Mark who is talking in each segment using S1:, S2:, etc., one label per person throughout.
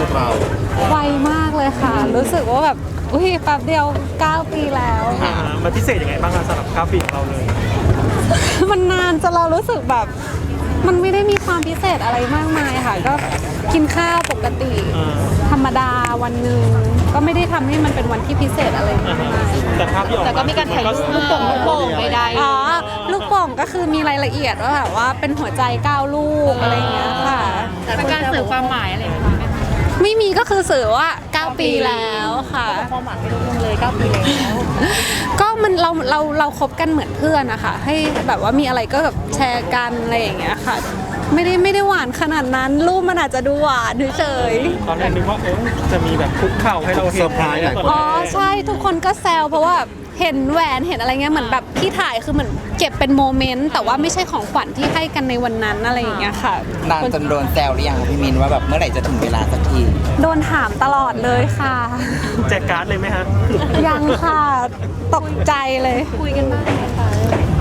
S1: กับเรา
S2: ไวมากเลยค่ะรู้สึกว่าแบบอุ้ยแป๊บเดียว9 ปีแล้ว
S3: มันพิเศษยังไงบ้างสำหรับ9 ปีของเราเลย
S2: มันนานจนเรารู้สึกแบบมันไม่ได้มีความพิเศษอะไรมากมายค่ะก็กินข้าวปกติธรรมดาวันหนึ่งก็ไม่ได้ทำให้มันเป็นวันที่พิเศษอะไรมากมาย
S3: แต่ภาพที่ออก
S4: แต่ก็มีการถ่ายรูปลูกโป่งใดๆ
S2: อ๋อลูกโป่งก็คือมีรายละเอียดว่าแบบว่าเป็นหัวใจ9 ลูกอะไรอย่างเงี้ยค่ะ
S4: เป็นการสื่อความหมายอะไรไหมคะ
S2: ไม่มีก็คือสื่อว่า9 ปีแล้วค่ะ
S4: ความหมายไม่รู้เลย9 ปีแล้ว
S2: ก็มันเราคบกันเหมือนเพื่อนนะคะให้แบบว่ามีอะไรก็แบบแชร์กันอะไรอย่างเงี้ยค่ะไม่ได้หวานขนาดนั้นรูปมันอาจจะดูหวานเฉย
S3: ตอนแรกนึกว่าจะมีแบบคุกเข่าให้เราเห็น
S2: อ๋อใช่ทุกคนก็แซวเพราะว่าเห็นแหวนเห็นอะไรเงี้ยเหมือนแบบที่ถ่ายคือเหมือนเก็บเป็นโมเมนต์แต่ว่าไม่ใช่ของขวัญที่ให้กันในวันนั้นอะไรอย่างเงี้ยค่ะ
S5: นานจนโดนแซวหรือยังพี่มินว่าแบบเมื่อไหร่จะถึงเวลาสักที
S2: โดนถามตลอดเลยค่ะ
S3: แจกการ์ดเลยไหมฮะ
S2: ยังค่ะตกใจเลย
S4: คุยกันบ้างไหมคะ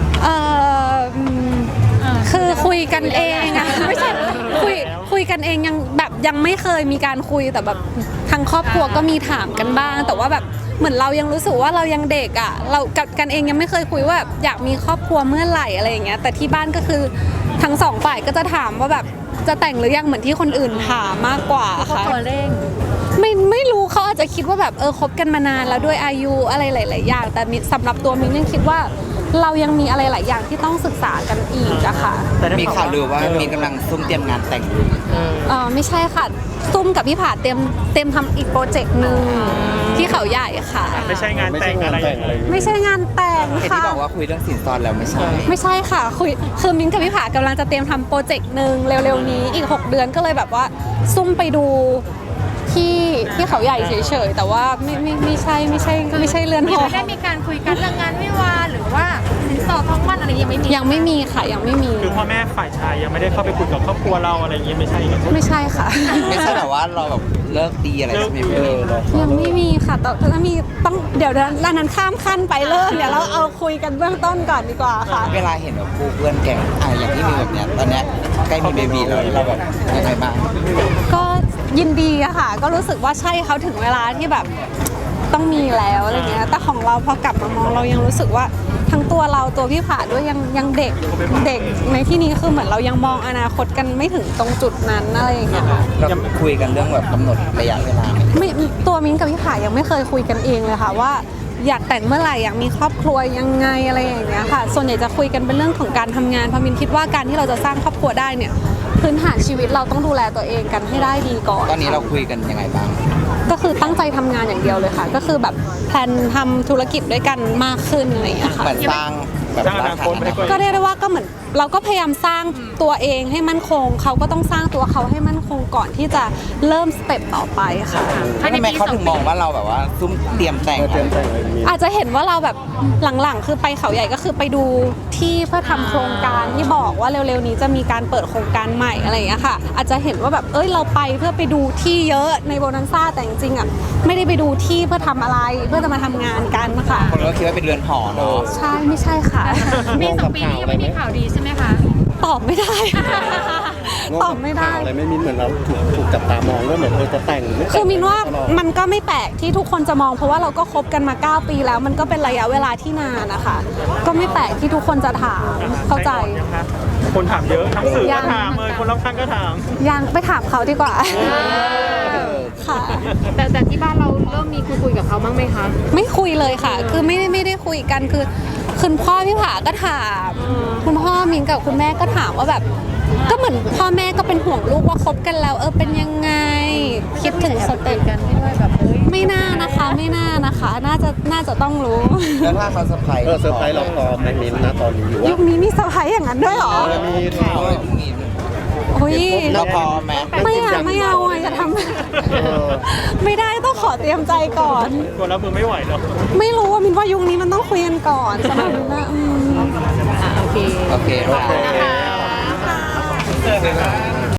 S2: คือคุยกันเองอะไม่ใช่คุยกันเองยังไม่เคยมีการคุยแต่แบบทางครอบครัวก็มีถามกันบ้างแต่ว่าแบบเหมือนเรายังรู้สึกว่าเรายังเด็กอ่ะเรากันเองยังไม่เคยคุยว่าแบบอยากมีครอบครัวเมื่อไหร่อะไรอย่างเงี้ยแต่ที่บ้านก็คือทั้งสองฝ่ายก็จะถามว่าแบบจะแต่งหรือยังเหมือนที่คนอื่นถามมากกว่าค่ะ
S4: ตัวเร่ง
S2: ไม่รู้เขาอาจจะคิดว่าแบบคบกันมานานแล้วด้วยอายุอะไรหลายๆอย่างแต่สำหรับตัวมิ้นยังคิดว่าเรายังมีอะไรหลายอย่างที่ต้องศึกษากันอีกอะค่ะ
S5: มีข่าวลือว่ามีกำลังซุ่มเตรียมงานแต่งอยู่
S2: ไม่ใช่ค่ะซุ่มกับพี่ผาเตรียมทำอีกโปรเจกต์หนึ่งที่เขาใหญ่ค่ะ
S3: ไม่ใช่งานแต่งอะไร
S2: ไม่ใช่งานแต่งค่ะ
S5: ที่บอกว่าคุยเรื่องสินสอดแล้วไม่
S2: ใช่ค่ะคือมิ้นกับพี่ผากำลังจะเตรียมทำโปรเจกต์หนึ่งเร็วๆนี้อีก6 เดือนก็เลยแบบว่าซุ่มไปดูที่เขาใหญ่เฉยๆแต่ว่าไม่ใช่เรือนหอ
S4: ได้มีการคุยกันเรื่องงานวิวาหรือว่าสินสอดทองมั่นอะไร
S2: ยังไม่มีค่ะยังไม่มี
S3: คือพ่อแม่ฝ่ายชายยังไม่ได้เข้าไปคุยกับครอบครัวเราอะไรอย่างเงี้ยไม่ใช่
S2: ค่ะ
S5: ไม่ใช่แบบว่าเราแบบเลิกดีอะไรใช่ไหม
S2: ยังไม่มีค่ะแต่ถ้ามีต้องเดี๋ยวนั้นข้ามขั้นไปเลิกเดี๋ยวเราเอาคุยกันเบื้องต้นก่อนดีกว่าค่ะ
S5: เวลาเห็นแบบคู่เพื่อนแก่งอย่างที่มีแบบเนี้ยตอนเนี้ยใกล้มีเบบีแล้วเราแบบยังไงบ้าง
S2: ก็ยินดีอะค่ะก็รู้สึกว่าใช่เขาถึงเวลาที่แบบต้องมีแล้วอะไรเงี้ยแต่ของเราพอกลับมามองเรายังรู้สึกว่าทั้งตัวเราตัวพี่ผาด้วยยังเด็กในที่นี้คือเหมือนเรายังมองอนาคตกันไม่ถึงตรงจุดนั้นอะไรอย่างเงี้ยค่ะ
S5: เราคุยกันเรื่องแบบกำหนดระยะเวลา
S2: ไม่ตัวมิ้นกับพี่ผายังไม่เคยคุยกันเองเลยค่ะว่าอยากแต่งเมื่อไหร่อยากมีครอบครัวยังไงอะไรอย่างเงี้ยค่ะส่วนใหญ่จะคุยกันเป็นเรื่องของการทำงานเพราะมิ้นคิดว่าการที่เราจะสร้างครอบครัวได้เนี่ยพื้นฐานชีวิตเราต้องดูแลตัวเองกันให้ได้ดีก่อน
S5: ตอนนี้เราคุยกันยังไงบ้าง
S2: ก็คือตั้งใจทำงานอย่างเดียวเลยค่ะก็คือแบบแพลนทำธุรกิจด้วยกันมากขึ้นอะไรอย่างเงี้ยค่ะ
S5: เหมือนสร้างแบบ
S3: อนาคต
S2: ก็เรียกได้ว่าก็เหมือนเราก็พยายามสร้างตัวเองให้มั่นคงเขาก็ต้องสร้างตัวเขาให้มั่นคงก่อนที่จะเริ่มสเต็ปต่อไปค่ะ
S5: ทำไมเขาถึงมองว่าเราแบบว่าซุ่มเตรียมแต่ง
S2: อาจจะเห็นว่าเราแบบหลังๆคือไปเขาใหญ่ก็คือไปดูที่เพื่อทำโครงการที่บอกว่าเร็วๆนี้จะมีการเปิดโครงการใหม่อะไรอย่างเงี้ยค่ะอาจจะเห็นว่าแบบเราไปเพื่อไปดูที่เยอะในโบนันซ่าแต่จริงๆอ่ะไม่ได้ไปดูที่เพื่อทำอะไรเพื่อจะมาทำงานกันค่ะ
S5: คนก็คิดว่าเป็นเรือนหอเนาะ
S2: ใช่ไม่ใช่ค่ะ
S4: มี2 ปีนี้ยังไม่มีข่าวดีใช่ไหมคะ
S2: ตอบไม่ได้ตอบไม่ได้
S1: อะไรไม่มินเหมือนเราถูกจับตามองว่าเหมือนจะแต่ง
S2: คือมินว่ามันก็ไม่แปลกที่ทุกคนจะมองเพราะว่าเราก็คบกันมา9 ปีแล้วมันก็เป็นระยะเวลาที่นานนะคะก็ไม่แปลกที่ทุกคนจะถามเข้าใจ
S3: คนถามเยอะทั้งสื่อก็ถามคนรอบข้างก็ถาม
S2: ยังไปถามเขาดีกว่าค่ะ
S4: แต่ที่บ้านเราเริ่มมีคุยกับเขาบ้างไหมคะ
S2: ไม่คุยเลยค่ะคือไม่ได้คุยกันคือคุณพ่อพี่ผาก็ถามคุณพ่อมินกับคุณแม่ก็ถามว่าแบบก็เหมือนพ่อแม่ก็เป็นห่วงลูกว่าคบกันแล้วเป็นยังไงคิดถึงสเต็ป
S4: กันด้วยแบบ
S2: ไม่น่านะคะน่าจะต้องรู้
S5: แล้วถ้าเขาเซอร์ไพรส์
S1: เซอร์ไพรส์เราพร้อมไหมมินนะตอนนี้
S2: ยุคนี้มีเซอร์ไพรส์อย่างนั้นด้วยหรอ
S1: มีข่าว
S5: เราพร้อมไหม
S2: ไม่เอาอย่าทำไม่ได้ต้องขอเตรียมใจก่อน
S3: กลัวรับมือไม่ไหวหรอ
S2: ไม่รู้ว่ามินว่ายุคนี้มันต้องคุยกันก่อนสำหรับมินนะ
S4: โอเค
S5: ค่ะ